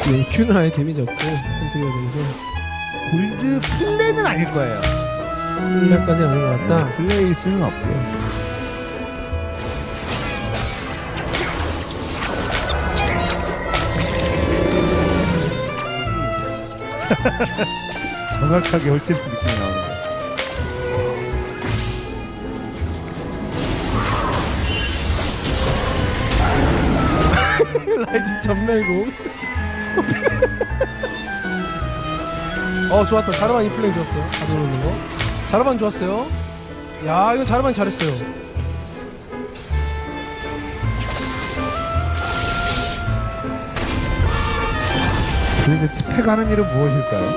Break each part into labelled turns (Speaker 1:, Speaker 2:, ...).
Speaker 1: Q는 아예 데미지 없고 컨트리가 되면서
Speaker 2: 골드 플레이는 아닐 거예요.
Speaker 1: 플레이까지는 아닌 것 같다.
Speaker 2: 플레이일 수는 없고요. 정확하게 홀체스 느낌이 나오는 거예요.
Speaker 1: 라이징 전멸공. 좋았다. 자르반 이 플레이 좋았어요. 가져오는 거. 자르반 좋았어요. 야, 이건 자르반이 잘했어요.
Speaker 2: 그런데 특패가 하는 일은 무엇일까요?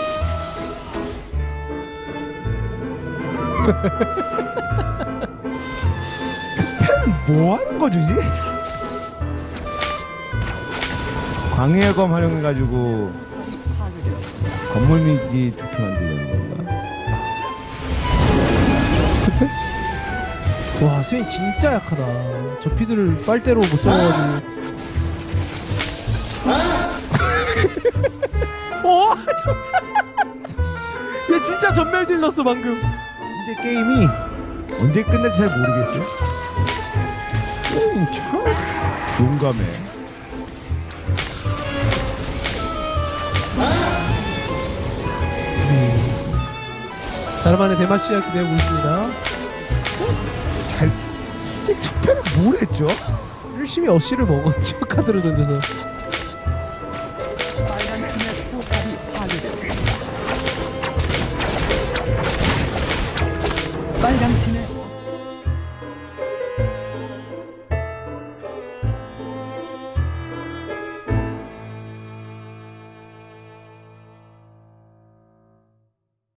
Speaker 2: 특패는 뭐 하는 거지? 광해검 활용해가지고 건물 미기 좋게 만들려는 건가? 특패?
Speaker 1: 와, 스웨인 진짜 약하다. 저 피드를 빨대로 못 잡아가지고. 얘 진짜 전멸 딜렀어 방금.
Speaker 2: 근데 게임이 언제 끝날지 잘 모르겠어요. 참 용감해.
Speaker 1: 자르반의 대마시아 기대하고 있습니다.
Speaker 2: 잘. 근데 첫 편은 뭘 했죠?
Speaker 1: 열심히 어시를 먹었죠. 카드를 던져서.
Speaker 3: 빨간 팀의